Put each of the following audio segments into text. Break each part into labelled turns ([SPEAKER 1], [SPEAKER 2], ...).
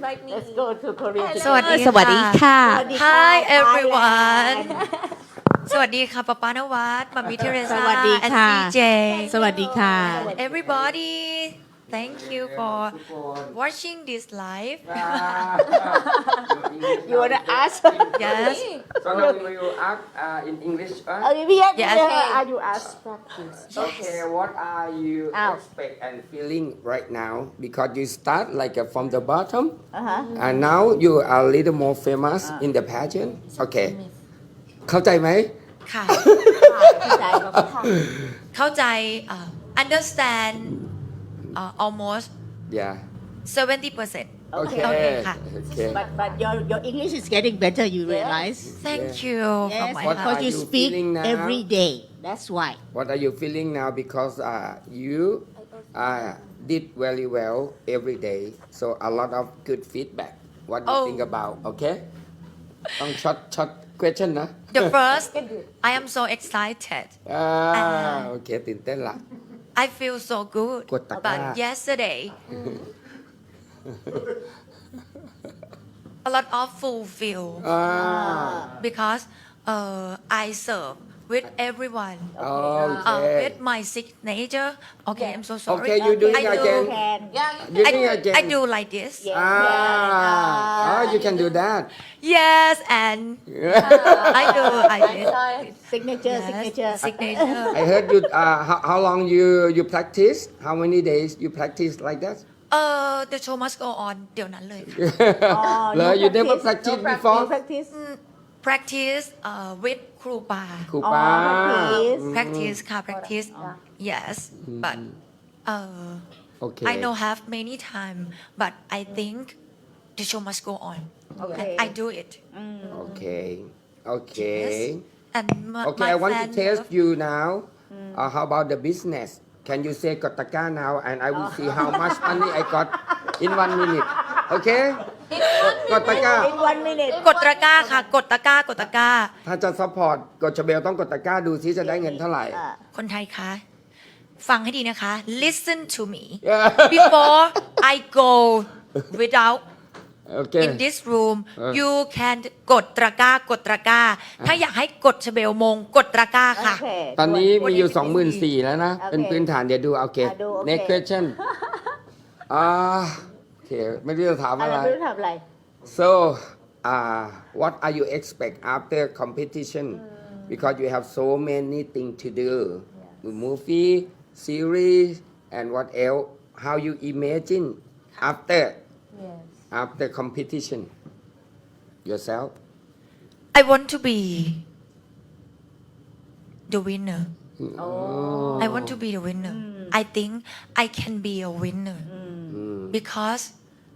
[SPEAKER 1] invite me
[SPEAKER 2] Let's go to Korea
[SPEAKER 3] สวัสดี
[SPEAKER 2] สวัสดีค่ะ
[SPEAKER 3] Hi everyone สวัสดีค่ะป๊าป๊านวัดมามิเทเร
[SPEAKER 2] ส
[SPEAKER 3] ซ่า
[SPEAKER 2] วัสดีค่ะ
[SPEAKER 3] and CJ
[SPEAKER 2] สวัสดีค่ะ
[SPEAKER 3] everybody thank you for watching this live
[SPEAKER 2] You wanna ask
[SPEAKER 3] yes
[SPEAKER 4] So now we will ask in English.
[SPEAKER 2] Vivian
[SPEAKER 3] Yes.
[SPEAKER 2] are you ask practice
[SPEAKER 4] Okay, what are you
[SPEAKER 2] Ow.
[SPEAKER 4] expect and feeling right now? Because you start like from the bottom, and now you are a little more famous in the pageant. Okay, เข้าใจไหม
[SPEAKER 3] ค่ะ
[SPEAKER 2] เข้าใจไหม
[SPEAKER 3] เข้าใจunderstand almost
[SPEAKER 4] Yeah.
[SPEAKER 3] 70%
[SPEAKER 4] Okay.
[SPEAKER 3] Okay, ค่ะ
[SPEAKER 4] Okay.
[SPEAKER 2] but your English is getting better you realize
[SPEAKER 3] thank you from
[SPEAKER 2] yes
[SPEAKER 3] my
[SPEAKER 4] What
[SPEAKER 3] heart
[SPEAKER 2] because
[SPEAKER 4] are
[SPEAKER 2] you
[SPEAKER 4] you
[SPEAKER 2] speak
[SPEAKER 4] feeling now?
[SPEAKER 2] every day that's why
[SPEAKER 4] What are you feeling now? Because you did very well every day, so a lot of good feedback. What do you
[SPEAKER 3] Oh.
[SPEAKER 4] think about? Okay. ต้องช็อต question นะ
[SPEAKER 3] the first I am so excited
[SPEAKER 4] โอเคตื่นเต้นละ
[SPEAKER 3] I feel so good
[SPEAKER 4] กดตะกร้า
[SPEAKER 3] but yesterday a lot of fulfill
[SPEAKER 4] อ่า
[SPEAKER 3] because I serve with everyone
[SPEAKER 4] โอเค
[SPEAKER 3] with my signature okay I'm so sorry
[SPEAKER 4] Okay, you do it
[SPEAKER 3] I do
[SPEAKER 4] again.
[SPEAKER 2] can
[SPEAKER 4] You
[SPEAKER 3] I,
[SPEAKER 4] think again?
[SPEAKER 3] I do like this
[SPEAKER 2] Yeah.
[SPEAKER 4] you can do that.
[SPEAKER 3] yes and I do I did
[SPEAKER 2] signature
[SPEAKER 3] yes,
[SPEAKER 2] signature
[SPEAKER 3] signature
[SPEAKER 4] I heard you. How long you practice? How many days you practice like that?
[SPEAKER 3] the show must go on เดี๋ยวนั้นเลยค่ะ
[SPEAKER 4] เหรอ you never practice before?
[SPEAKER 2] practice
[SPEAKER 3] practice with ครูปา
[SPEAKER 4] ครูป้า
[SPEAKER 2] practice
[SPEAKER 3] practice ค่ะ practice yes but
[SPEAKER 4] Okay.
[SPEAKER 3] I know have many time but I think the show must go on
[SPEAKER 2] Okay.
[SPEAKER 3] and I do it
[SPEAKER 4] Okay. Okay.
[SPEAKER 3] and my,
[SPEAKER 4] Okay,
[SPEAKER 3] my
[SPEAKER 4] I want to
[SPEAKER 3] fan
[SPEAKER 4] test
[SPEAKER 3] love-
[SPEAKER 4] you now. How about the business? Can you say Kotaka now, and I will see how much money I got in 1 minute. Okay? Kotaka.
[SPEAKER 2] in 1 minute
[SPEAKER 3] กดตะกร้าค่ะ กดตะกร้ากดตะกร้า
[SPEAKER 4] ถ้าจะซัพพอร์ตกดชเบลต้องกดตะกร้าดูซิจะได้เงินเท่าไหร่
[SPEAKER 3] คนไทยคะ ฟังให้ดีนะคะ listen to me before I go without
[SPEAKER 4] โอเค
[SPEAKER 3] in this room you can กดตะกร้ากดตะกร้า ถ้าอยากให้กดชเบลมง กดตะกร้าค่ะ
[SPEAKER 2] Okay.
[SPEAKER 4] ตอนนี้มีอยู่
[SPEAKER 3] What is it?
[SPEAKER 4] 24,000แล้วนะ เป็นพื้นฐานเดี๋ยวดูโอเค
[SPEAKER 2] ดูโอเค
[SPEAKER 4] next question โอเค ไม่รู้จะถาม
[SPEAKER 2] อะ
[SPEAKER 4] อะไร ไร
[SPEAKER 2] ไม่รู้ทำอะไร
[SPEAKER 4] so what are you expect after competition because you have so many things to do movie series and what else how you imagine after competition yourself
[SPEAKER 3] I want to be the winner I want to be the winner I think I can be a winner because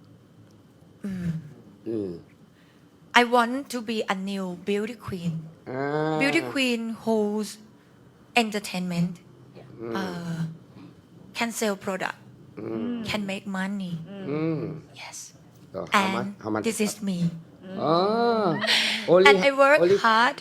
[SPEAKER 3] I want to be a new beauty queen beauty queen whose entertainment can sell product can make money yes
[SPEAKER 4] So how much
[SPEAKER 3] and
[SPEAKER 4] how much
[SPEAKER 3] this is me
[SPEAKER 4] only
[SPEAKER 3] and I work
[SPEAKER 4] only
[SPEAKER 3] hard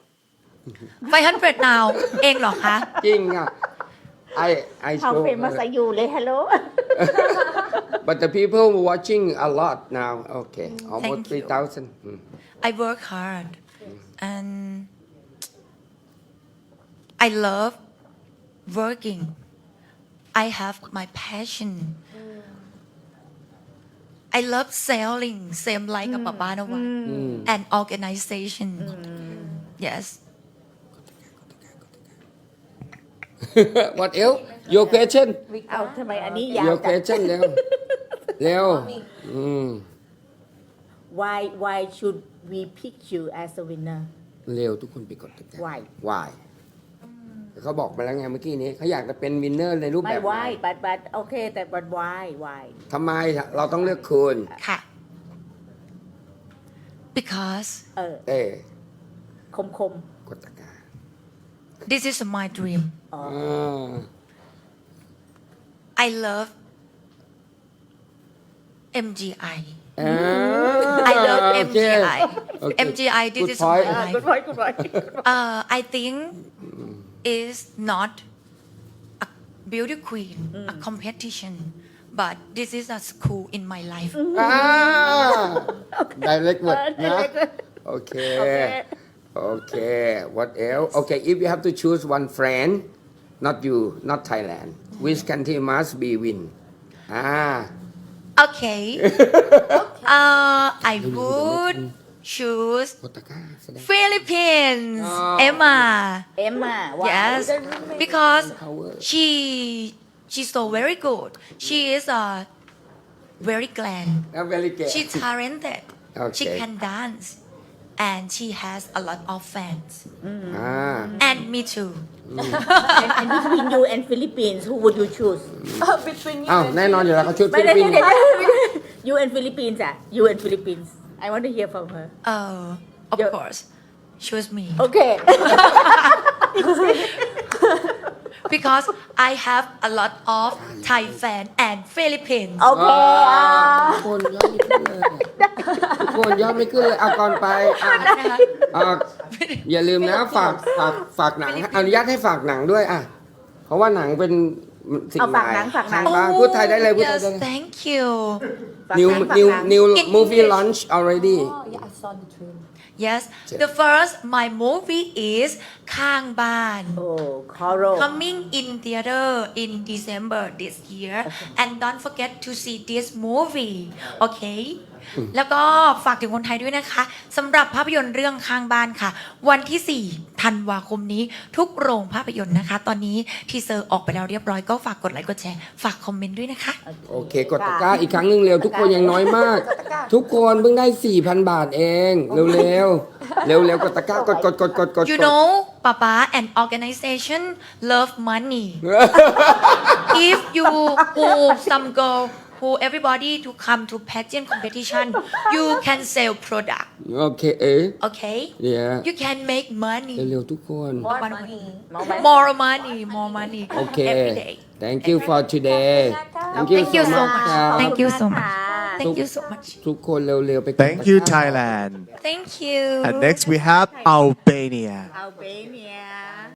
[SPEAKER 3] 500 now เองเหรอคะ
[SPEAKER 4] จริงอ่ะ I
[SPEAKER 2] how
[SPEAKER 4] show
[SPEAKER 2] famous are you เลย hello
[SPEAKER 4] but the people watching a lot now okay almost
[SPEAKER 3] Thank you.
[SPEAKER 4] 3,000
[SPEAKER 3] I work hard and I love working I have my passion I love selling same like a Papa Nawa and organization yes
[SPEAKER 4] what else your question
[SPEAKER 2] เอาทำไมอันนี้ยาว
[SPEAKER 4] your
[SPEAKER 2] จัง
[SPEAKER 4] question เร็วเร็ว
[SPEAKER 2] why should we pick you as a winner
[SPEAKER 4] เร็วทุกคนไปกดติดตาม
[SPEAKER 2] why
[SPEAKER 4] why เขาบอกมาแล้วไงเมื่อกี้นี้เขาอยากจะเป็นวินเนอร์ในรูป
[SPEAKER 2] ไม่
[SPEAKER 4] แบบไหน
[SPEAKER 2] why but โอเคแต่ but why
[SPEAKER 4] ทำไมเราต้องเลือกคุณ
[SPEAKER 3] ค่ะ because
[SPEAKER 4] เต้
[SPEAKER 2] คม
[SPEAKER 4] กดตะกร้า
[SPEAKER 3] this is my dream
[SPEAKER 4] อ่า
[SPEAKER 3] I love MGI
[SPEAKER 4] อ่า
[SPEAKER 3] I love
[SPEAKER 4] โอเค
[SPEAKER 3] MGI
[SPEAKER 4] โอเค
[SPEAKER 3] MGI this
[SPEAKER 4] Good
[SPEAKER 3] is
[SPEAKER 4] point.
[SPEAKER 3] my life
[SPEAKER 2] good point
[SPEAKER 3] I think is not a beauty queen a competition but this is a school in my life
[SPEAKER 4] อ่า direct word นะ
[SPEAKER 2] direct word
[SPEAKER 4] โอเค โอเค what else okay if you have to choose one friend not you not Thailand which country must be win
[SPEAKER 3] Okay. I would choose
[SPEAKER 4] โอตาก้าแสดง
[SPEAKER 3] Philippines.
[SPEAKER 4] Oh.
[SPEAKER 3] Emma.
[SPEAKER 2] Emma why
[SPEAKER 3] Yes, because
[SPEAKER 4] Power.
[SPEAKER 3] she's so very good. She is very glad.
[SPEAKER 4] very good
[SPEAKER 3] She's talented. She
[SPEAKER 4] Okay.
[SPEAKER 3] can dance, and she has a lot of fans.
[SPEAKER 4] อ่า
[SPEAKER 3] And me too.
[SPEAKER 2] and between you and Philippines who would you choose
[SPEAKER 1] Between you
[SPEAKER 4] อ้าว
[SPEAKER 1] and
[SPEAKER 4] แน่นอนอยู่แล้วเขาชุด
[SPEAKER 2] ไม่
[SPEAKER 4] ฟิลิป
[SPEAKER 2] ได้
[SPEAKER 4] ปินส์
[SPEAKER 2] you and Philippines you and Philippines I want to hear from her
[SPEAKER 3] Of
[SPEAKER 2] Yeah.
[SPEAKER 3] course, choose me
[SPEAKER 2] okay
[SPEAKER 3] because I have a lot of Thai fan and Philippines.
[SPEAKER 2] โอเค
[SPEAKER 4] ทุกคนยอดไม่ขึ้นเลยทุกคนยอดไม่ขึ้นเลยเอาก่อนไปอย่าลืมนะฝากหนังอนุญาตให้ฝากหนังด้วยเพราะว่าหนังเป็นสิ่ง
[SPEAKER 2] เอา
[SPEAKER 4] ให
[SPEAKER 2] ฝาก
[SPEAKER 4] ม่
[SPEAKER 2] หนังฝากหนัง
[SPEAKER 4] ทางบ้านพูดไทยได้เลยพูดไทย
[SPEAKER 3] yes,
[SPEAKER 4] ได้เลย
[SPEAKER 3] thank you.
[SPEAKER 4] new
[SPEAKER 2] ฝากหนัง
[SPEAKER 4] new
[SPEAKER 2] ฝากหนัง
[SPEAKER 4] new
[SPEAKER 3] In
[SPEAKER 4] movie
[SPEAKER 3] English.
[SPEAKER 4] launch already
[SPEAKER 1] Oh, yeah, I saw the trailer.
[SPEAKER 3] Yes, the first my movie is Khang Ban.
[SPEAKER 2] โอ้ Coral
[SPEAKER 3] Coming in theater in December this year, and don't forget to see this movie, okay? แล้วก็ฝากถึงคนไทยด้วยนะคะสำหรับภาพยนตร์เรื่องข้างบ้านค่ะ วันที่ 4 ธันวาคมนี้ทุกโรงภาพยนตร์นะคะ ตอนนี้ทีเซอร์ออกไปแล้วเรียบร้อยก็ฝากกดไลค์กดแชร์ฝากคอมเมนต์ด้วยนะคะ
[SPEAKER 4] โอเค กดตะกร้าอีกครั้งหนึ่งเร็ว ทุกคนยังน้อยมาก ทุกคนเพิ่งได้ 4,000 บาทเอง เร็วๆ เร็วๆ กดตะกร้ากด
[SPEAKER 3] You know Papa and organization love money if you who some girl who everybody to come to pageant competition you can sell product
[SPEAKER 4] โอเค
[SPEAKER 3] okay
[SPEAKER 4] yeah
[SPEAKER 3] you can make money
[SPEAKER 4] เร็วๆ ทุกคน
[SPEAKER 1] More money.
[SPEAKER 3] more money
[SPEAKER 4] โอเค
[SPEAKER 3] every day
[SPEAKER 4] thank you for today
[SPEAKER 3] Thank you so much
[SPEAKER 4] ครับ
[SPEAKER 3] Thank you so much
[SPEAKER 2] ค่ะ
[SPEAKER 3] Thank you so much
[SPEAKER 4] ทุกคนเร็วๆ ไปกด
[SPEAKER 5] Thank you, Thailand.
[SPEAKER 3] Thank you
[SPEAKER 5] And next we have Albania.
[SPEAKER 2] Albania